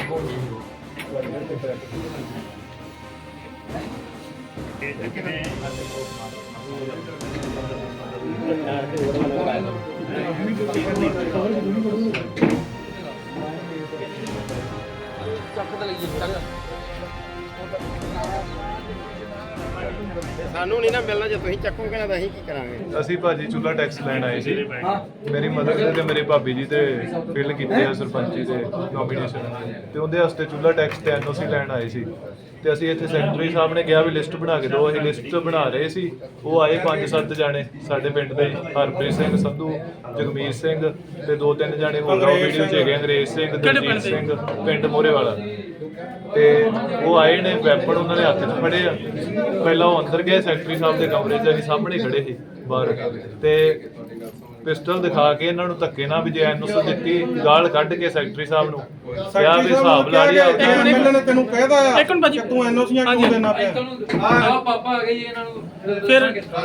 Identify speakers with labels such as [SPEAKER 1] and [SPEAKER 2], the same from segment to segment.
[SPEAKER 1] ਸਾਨੂੰ ਨਹੀਂ ਨਾ ਮਿਲਣਾ, ਜੇ ਤੁਸੀਂ ਚੱਕੋਗੇ ਨਾ ਤਾਂ ਅਸੀਂ ਕੀ ਕਰਾਂਗੇ।
[SPEAKER 2] ਅਸੀਂ ਭਾਜੀ ਚੁੱਲ੍ਹਾ ਟੈਕਸ ਲੈਣ ਆਏ ਸੀ। ਮੇਰੀ ਮਦਰ ਤੇ ਮੇਰੇ ਭਾਬੀ ਜੀ ਤੇ ਫਿਲ ਕੀਤੇ ਆ ਸਰਪੰਚੀ ਦੇ ਨੋਮੀਨੇਸ਼ਨ, ਤੇ ਉਹਦੇ ਵਾਸਤੇ ਚੁੱਲ੍ਹਾ ਟੈਕਸ ਤੇ NOC ਲੈਣ ਆਏ ਸੀ। ਤੇ ਅਸੀਂ ਇੱਥੇ ਸੈਕਟਰੀ ਸਾਹਿਬ ਨੇ ਕਿਹਾ ਵੀ ਲਿਸਟ ਬਣਾ ਕੇ ਦਿਓ। ਅਸੀਂ ਲਿਸਟ ਬਣਾ ਰਹੇ ਸੀ। ਉਹ ਆਏ 5-7 ਜਾਣੇ ਸਾਡੇ ਪਿੰਡ ਦੇ, ਹਰਪ੍ਰੀਤ ਸਿੰਘ ਸੰਧੂ, ਜਗਮੀਤ ਸਿੰਘ ਤੇ 2-3 ਜਾਣੇ ਹੋਰ ਉਹ ਵੀਡੀਓ 'ਚ ਹੈਗੇ, ਅੰਗਰੇਜ਼ ਸਿੰਘ, ਦਲਜੀਤ ਸਿੰਘ, ਪਿੰਡ ਮੋਰੇ ਵਾਲਾ। ਤੇ ਉਹ ਆਏ ਨੇ, ਵੈਪਨ ਉਹਨਾਂ ਦੇ ਹੱਥ 'ਚ ਫੜੇ ਆ। ਪਹਿਲਾਂ ਉਹ ਅੰਦਰ ਗਏ ਸੈਕਟਰੀ ਸਾਹਿਬ ਦੇ ਕਮਰੇ 'ਚ, ਅਸੀਂ ਸਾਹਮਣੇ ਖੜੇ ਸੀ ਬਾਹਰ, ਤੇ ਪਿਸਟਲ ਦਿਖਾ ਕੇ ਇਹਨਾਂ ਨੂੰ ਧੱਕੇ ਨਾਲ ਵੀ ਜੇ NOC ਦਿੱਤੀ, ਗਾਲ ਕੱਢ ਕੇ ਸੈਕਟਰੀ ਸਾਹਿਬ ਨੂੰ ਕਿਹਾ ਵੀ ਹਿਸਾਬ ਲਾ ਲਿਆ।
[SPEAKER 3] ਨੇ ਤੈਨੂੰ ਕਹਿਦਾ ਆ ਤੂੰ NOCਆਂ ਕਿਉਂ ਦੇਣਾ ਪਿਆ?
[SPEAKER 4] ਆ ਪਾਪਾ ਆ ਗਏ ਜੀ ਇਹਨਾਂ ਨੂੰ
[SPEAKER 3] ਫਿਰ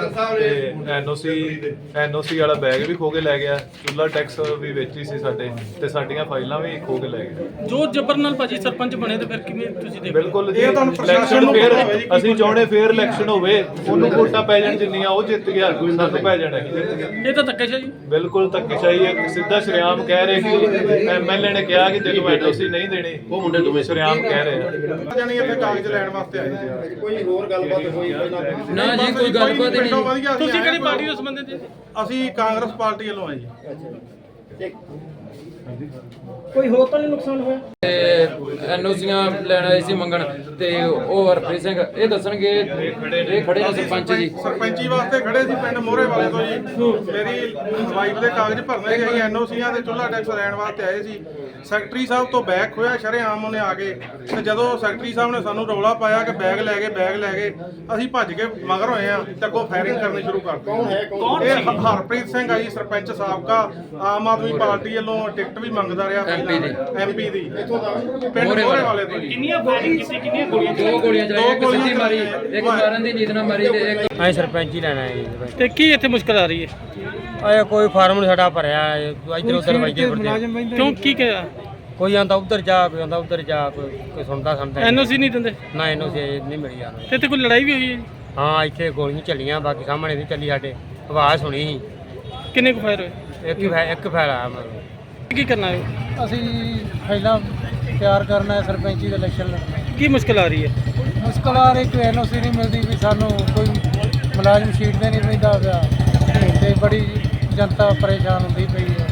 [SPEAKER 2] NOC ਵਾਲਾ ਬੈਗ ਵੀ ਖੋ ਕੇ ਲੈ ਗਿਆ, ਚੁੱਲ੍ਹਾ ਟੈਕਸ ਵੀ ਵਿੱਚ ਹੀ ਸੀ ਸਾਡੇ, ਤੇ ਸਾਡੀਆਂ ਫਾਈਲਾਂ ਵੀ ਖੋ ਕੇ ਲੈ ਗਏ।
[SPEAKER 3] ਜੋ ਜਬਰ ਨਾਲ ਭਾਜੀ ਸਰਪੰਚ ਬਣੇ ਤੇ ਫਿਰ ਕਿਵੇਂ ਤੁਸੀਂ ਦੇਖੋ?
[SPEAKER 2] ਬਿਲਕੁਲ ਜੀ, ਇਲੈਕਸ਼ਨ ਫੇਰ ਅਸੀਂ ਚਾਹੁੰਦੇ ਫੇਰ ਇਲੈਕਸ਼ਨ ਹੋਵੇ, ਉਹਨੂੰ ਵੋਟਾਂ ਪੈ ਜਾਣ ਜਿੰਨੀਆਂ ਉਹ ਜਿੱਤ ਗਿਆ, ਸਾਨੂੰ ਪੈ ਜਾਣਾ
[SPEAKER 3] ਇਹ ਤਾਂ ਧੱਕੇਸ਼ਾਹੀ।
[SPEAKER 2] ਬਿਲਕੁਲ ਧੱਕੇਸ਼ਾਹੀ ਹੈ। ਸਿੱਧਾ ਸ਼ਰੇਆਮ ਕਹਿ ਰਹੇ ਕਿ MLA ਨੇ ਕਿਹਾ ਕਿ ਤੈਨੂੰ NOC ਨਹੀਂ ਦੇਣੀ, ਉਹ ਮੁੰਡੇ ਦੋਵੇਂ ਸ਼ਰੇਆਮ ਕਹਿ ਰਹੇ ਆ।
[SPEAKER 3] ਜਾਨੀ ਇੱਥੇ ਕਾਗਜ਼ ਲੈਣ ਵਾਸਤੇ ਆਏ ਸੀ।
[SPEAKER 1] ਕੋਈ ਹੋਰ ਗੱਲਬਾਤ ਹੋਈ
[SPEAKER 4] ਨਾ ਜੀ, ਕੋਈ ਗੱਲਬਾਤ ਨਹੀਂ।
[SPEAKER 3] ਤੁਸੀਂ ਕਿਹੜੀ ਪਾਰਟੀ ਨਾਲ ਸੰਬੰਧਿਤ ਜੀ? ਅਸੀਂ ਕਾਂਗਰਸ ਪਾਰਟੀ ਵੱਲੋਂ ਆਏ ਜੀ। ਕੋਈ ਹੋਰ ਤਾਂ ਨਹੀਂ ਨੁਕਸਾਨ ਹੋਇਆ?
[SPEAKER 4] NOCਆਂ ਲੈਣ ਆਏ ਸੀ ਮੰਗਣ, ਤੇ ਉਹ ਹਰਪ੍ਰੀਤ ਸਿੰਘ ਇਹ ਦੱਸਣਗੇ। ਇਹ ਖੜੇ ਨੇ ਸਰਪੰਚ ਜੀ,
[SPEAKER 3] ਸਰਪੰਚੀ ਵਾਸਤੇ ਖੜੇ ਸੀ ਪਿੰਡ ਮੋਰੇ ਵਾਲੇ ਤੋਂ ਜੀ। ਮੇਰੀ ਵਾਈਫ ਦੇ ਕਾਗਜ਼ ਭਰਨੇ ਸੀ, ਅਸੀਂ NOCਆਂ ਦੇ ਚੁੱਲ੍ਹਾ ਟੈਕਸ ਲੈਣ ਵਾਸਤੇ ਆਏ ਸੀ। ਸੈਕਟਰੀ ਸਾਹਿਬ ਤੋਂ ਬੈਗ ਖੋਇਆ ਸ਼ਰੇਆਮ ਉਹਨੇ ਆ ਕੇ, ਤੇ ਜਦੋਂ ਸੈਕਟਰੀ ਸਾਹਿਬ ਨੇ ਸਾਨੂੰ ਰੌਲਾ ਪਾਇਆ ਕਿ ਬੈਗ ਲੈ ਗਏ, ਅਸੀਂ ਭੱਜ ਕੇ ਮਗਰ ਹੋਏ ਆ ਤੇ ਅੱਗੋਂ ਫਾਇਰਿੰਗ ਕਰਨੀ ਸ਼ੁਰੂ ਕਰ ਦਿੱਤੀ। ਇਹ ਹਰਪ੍ਰੀਤ ਸਿੰਘ ਆ ਜੀ, ਸਰਪੰਚ ਸਾਬਕਾ, ਆਮ ਆਦਮੀ ਪਾਰਟੀ ਵੱਲੋਂ ਟਿਕਟ ਵੀ ਮੰਗਦਾ ਰਿਹਾ MP ਦੀ ਪਿੰਡ ਮੋਰੇ ਵਾਲੇ ਤੋਂ। ਕਿੰਨੀਆਂ ਫਾਇਰਿੰਗ ਕੀਤੀ, ਕਿੰਨੀਆਂ ਗੋਲੀਆਂ?
[SPEAKER 4] 2 ਗੋਲੀਆਂ ਚਲਾਈਆਂ, ਇੱਕ ਸਿੱਧੀ ਮਾਰੀ, ਇੱਕ ਮਾਰਨ ਦੀ ਨੀਤ ਨਾਲ ਮਾਰੀ, ਤੇ ਇੱਕ
[SPEAKER 5] ਅਸੀਂ ਸਰਪੰਚ ਹੀ ਲੈਣਾ ਹੈ।
[SPEAKER 3] ਤੇ ਕੀ ਇੱਥੇ ਮੁਸ਼ਕਲ ਆ ਰਹੀ ਹੈ?
[SPEAKER 5] ਆਇਆ ਕੋਈ ਫਾਰਮ ਨਹੀਂ ਸਾਡਾ ਭਰਿਆ, ਇੱਧਰ ਉੱਧਰ ਵਜਦੇ ਫਿਰਦੇ।
[SPEAKER 3] ਕਿਉਂ, ਕੀ ਕਿਹਾ?
[SPEAKER 5] ਕੋਈ ਆਂਦਾ ਉੱਧਰ ਜਾ, ਕੋਈ ਆਂਦਾ ਉੱਧਰ ਜਾ, ਕੋਈ ਸੁਣਦਾ
[SPEAKER 3] NOC ਨਹੀਂ ਦਿੰਦੇ
[SPEAKER 5] ਨਾ, NOC ਨਹੀਂ ਮਿਲੀ ਯਾਰ।
[SPEAKER 3] ਤੇ ਇੱਥੇ ਕੋਈ ਲੜਾਈ ਵੀ ਹੋਈ ਹੈ ਜੀ?
[SPEAKER 5] ਹਾਂ, ਇੱਥੇ ਗੋਲੀਆਂ ਚੱਲੀਆਂ, ਬਾਕੀ ਸਾਹਮਣੇ ਨਹੀਂ ਚੱਲੀ। ਸਾਡੇ ਆਵਾਜ਼ ਸੁਣੀ ਸੀ।
[SPEAKER 3] ਕਿੰਨੇ ਕੁ ਫਾਇਰ ਹੋਏ?
[SPEAKER 5] ਇੱਕ ਫੈਲ ਆਇਆ ਮਤਲਬ।
[SPEAKER 3] ਕੀ ਕਰਨਾ ਹੈ?
[SPEAKER 6] ਅਸੀਂ ਪਹਿਲਾਂ ਤਿਆਰ ਕਰਨਾ ਹੈ ਸਰਪੰਚੀ ਦੇ ਇਲੈਕਸ਼ਨ ਲੜਨਾ।
[SPEAKER 3] ਕੀ ਮੁਸ਼ਕਲ ਆ ਰਹੀ ਹੈ?
[SPEAKER 6] ਮੁਸ਼ਕਲ ਆ ਰਹੀ, ਕੋਈ NOC ਨਹੀਂ ਮਿਲਦੀ ਵੀ ਸਾਨੂੰ, ਕੋਈ ਮੁਲਾਜ਼ਮ ਸ਼ੀਟ ਤੇ ਨਹੀਂ ਪੈਂਦਾ ਪਿਆ, ਤੇ ਬੜੀ ਜਨਤਾ ਪਰੇਸ਼ਾਨ ਹੁੰਦੀ ਪਈ ਹੈ।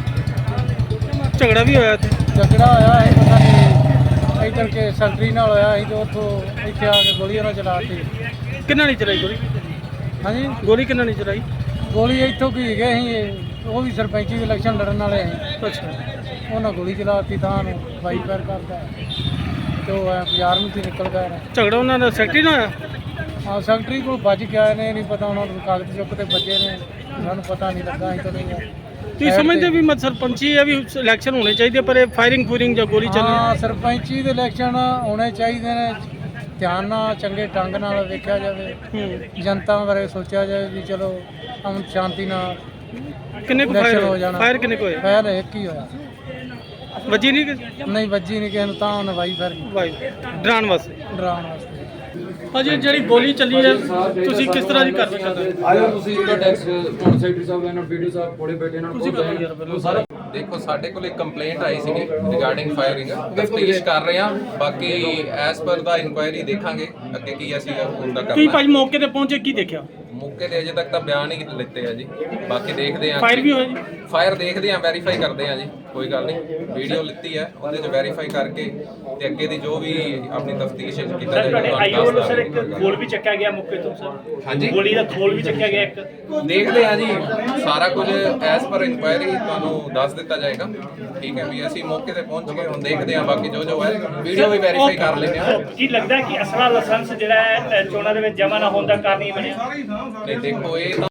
[SPEAKER 3] ਝਗੜਾ ਵੀ ਹੋਇਆ ਇੱਥੇ?
[SPEAKER 6] ਝਗੜਾ ਹੋਇਆ ਹੈ, ਪਤਾ ਨਹੀਂ ਇੱਧਰ ਕੇ ਸੈਕਟਰੀ ਨਾਲ ਹੋਇਆ ਸੀ, ਤੇ ਉੱਥੋਂ ਇੱਥੇ ਆ ਕੇ ਗੋਲੀਆਂ ਨਾਲ ਚਲਾਤੀ।
[SPEAKER 3] ਕਿੰਨਾ ਨਹੀਂ ਚਲਾਈ ਗੋਲੀ?
[SPEAKER 6] ਹਾਂਜੀ,
[SPEAKER 3] ਗੋਲੀ ਕਿੰਨਾ ਨਹੀਂ ਚਲਾਈ?
[SPEAKER 6] ਗੋਲੀ ਇੱਥੋਂ ਕੀ ਗਏ ਸੀ, ਉਹ ਵੀ ਸਰਪੰਚੀ ਦੇ ਇਲੈਕਸ਼ਨ ਲੜਨ ਵਾਲੇ ਸੀ।
[SPEAKER 3] ਅੱਛਾ,
[SPEAKER 6] ਉਹਨਾਂ ਗੋਲੀ ਚਲਾਤੀ, ਤਾਂ ਨੂੰ ਬਾਈ ਪੈਰ ਕਰਦਾ ਤੇ ਉਹ ਬਾਜ਼ਾਰ ਨੂੰ ਤੇ ਨਿਕਲ ਗਿਆ।
[SPEAKER 3] ਝਗੜਾ ਉਹਨਾਂ ਦਾ ਸੈਕਟਰੀ ਨਾਲ ਹੋਇਆ?
[SPEAKER 6] ਹਾਂ, ਸੈਕਟਰੀ ਕੋਲ ਭੱਜ ਕੇ ਆਏ ਨੇ, ਨਹੀਂ ਪਤਾ ਉਹਨਾਂ ਨੂੰ ਕਾਗਜ਼ ਚੁੱਕ ਤੇ ਬੱਜੇ ਨੇ, ਸਾਨੂੰ ਪਤਾ ਨਹੀਂ ਲੱਗਾ। ਅਸੀਂ ਤਾਂ ਨਹੀਂ
[SPEAKER 3] ਤੁਸੀਂ ਸਮਝਦੇ ਵੀ ਮਤ ਸਰਪੰਚੀ ਹੈ ਵੀ ਇਲੈਕਸ਼ਨ ਹੋਣੇ ਚਾਹੀਦੇ, ਪਰ ਇਹ ਫਾਇਰਿੰਗ ਜਾਂ ਗੋਲੀ ਚੱਲਣੀ?
[SPEAKER 6] ਹਾਂ, ਸਰਪੰਚੀ ਦੇ ਇਲੈਕਸ਼ਨ ਹੋਣੇ ਚਾਹੀਦੇ ਨੇ, ਧਿਆਨ ਨਾਲ ਚੰਗੇ ਢੰਗ ਨਾਲ ਵੇਖਿਆ ਜਾਵੇ, ਜਨਤਾ ਬਾਰੇ ਸੋਚਿਆ ਜਾਵੇ ਵੀ ਚਲੋ ਅਮਨ ਸ਼ਾਂਤੀ ਨਾਲ
[SPEAKER 3] ਕਿੰਨੇ ਕੁ
[SPEAKER 6] ਇਲੈਕਸ਼ਨ ਹੋ
[SPEAKER 3] ਫਾਇਰ
[SPEAKER 6] ਜਾਣਾ।
[SPEAKER 3] ਫਾਇਰ ਕਿੰਨੇ ਕੁ ਹੋਏ?
[SPEAKER 6] ਫਾਇਰ ਇੱਕ ਹੀ ਹੋਇਆ,
[SPEAKER 3] ਵੱਜੀ ਨਹੀਂ?
[SPEAKER 6] ਨਹੀਂ ਵੱਜੀ ਨਹੀਂ ਕਿਸੇ ਨੂੰ, ਤਾਂ ਉਹਨੇ ਵਾਈ ਫਿਰ
[SPEAKER 3] ਵਾਈ ਡਰਾਉਣ ਵਾਸਤੇ।
[SPEAKER 6] ਡਰਾਉਣ ਵਾਸਤੇ।
[SPEAKER 3] ਭਾਜੀ ਜਿਹੜੀ ਗੋਲੀ ਚੱਲੀ ਹੈ, ਤੁਸੀਂ ਕਿਸ ਤਰ੍ਹਾਂ ਦੀ ਕਾਰਵਾਈ ਕਰਦੇ ਹੋ?
[SPEAKER 4] ਆਇਓ ਤੁਸੀਂ ਚੁੱਲ੍ਹਾ ਟੈਕਸ ਹੁਣ ਸੈਕਟਰੀ ਸਾਹਿਬ ਇਹਨਾਂ ਵੀਡੀਓ ਸਾਹਿਬ ਕੋਲੇ ਬੈਠੇ ਇਹਨਾਂ ਨੂੰ ਬਹੁਤ ਸਾਰਾ।
[SPEAKER 7] ਦੇਖੋ, ਸਾਡੇ ਕੋਲ ਇੱਕ ਕੰਪਲੇਂਟ ਆਈ ਸੀਗੀ ਰਿਗਾਰਡਿੰਗ ਫਾਇਰਿੰਗ, ਤਫਤੀਸ਼ ਕਰ ਰਹੇ ਹਾਂ। ਬਾਕੀ ਐਸ ਪਰ ਦਾ ਇਨਕੁਆਇਰੀ ਦੇਖਾਂਗੇ ਅੱਗੇ ਕੀ ਅਸੀਂ ਹੁੰਦਾ
[SPEAKER 3] ਕੀ
[SPEAKER 7] ਕਰਨਾ।
[SPEAKER 3] ਭਾਜੀ ਮੌਕੇ ਤੇ ਪਹੁੰਚੇ, ਕੀ ਦੇਖਿਆ?
[SPEAKER 7] ਮੌਕੇ ਤੇ ਅਜੇ ਤੱਕ ਤਾਂ ਬਿਆਨ ਹੀ ਲਿੱਤੇ ਆ ਜੀ, ਬਾਕੀ ਦੇਖਦੇ ਹਾਂ।
[SPEAKER 3] ਫਾਇਰ ਵੀ ਹੋਇਆ ਜੀ?
[SPEAKER 7] ਫਾਇਰ ਦੇਖਦੇ ਹਾਂ, ਵੈਰੀਫਾਈ ਕਰਦੇ ਹਾਂ ਜੀ, ਕੋਈ ਗੱਲ ਨਹੀਂ। ਵੀਡੀਓ ਲਿੱਤੀ ਹੈ, ਉਹਦੇ 'ਚ ਵੈਰੀਫਾਈ ਕਰਕੇ ਤੇ ਅੱਗੇ ਦੀ ਜੋ ਵੀ ਆਪਣੀ ਤਫਤੀਸ਼ ਕੀਤਾ ਜਾਏਗਾ।
[SPEAKER 8] ਆਈਓ ਵੱਲੋਂ ਸਰ ਇੱਕ ਖੋਲ ਵੀ ਚੱਕਿਆ ਗਿਆ ਮੌਕੇ ਤੋਂ ਸਰ?
[SPEAKER 7] ਹਾਂਜੀ,
[SPEAKER 8] ਗੋਲੀ ਦਾ ਖੋਲ ਵੀ ਚੱਕਿਆ ਗਿਆ ਇੱਕ?
[SPEAKER 7] ਦੇਖਦੇ ਹਾਂ ਜੀ, ਸਾਰਾ ਕੁਝ ਐਸ ਪਰ ਇਨਕੁਆਇਰੀ ਤੁਹਾਨੂੰ ਦੱਸ ਦਿੱਤਾ ਜਾਏਗਾ। ਠੀਕ ਹੈ ਵੀ ਅਸੀਂ ਮੌਕੇ ਤੇ ਪਹੁੰਚ ਗਏ, ਹੁਣ ਦੇਖਦੇ ਹਾਂ ਬਾਕੀ ਜੋ ਹੈ, ਵੀਡੀਓ ਵੀ ਵੈਰੀਫਾਈ ਕਰ ਲੈਂਦੇ ਹਾਂ।
[SPEAKER 8] ਕੀ ਲੱਗਦਾ ਕਿ ਅਸਲਾ ਲਾਇਸੈਂਸ ਜਿਹੜਾ ਹੈ ਚੋਣਾਂ ਦੇ ਵਿੱਚ ਜਮ੍ਹਾਂ ਨਾ ਹੋਣ ਦਾ ਕਾਰਨ ਹੀ ਬਣਿਆ?
[SPEAKER 7] ਨਹੀਂ ਦੇਖੋ, ਇਹ ਤਾਂ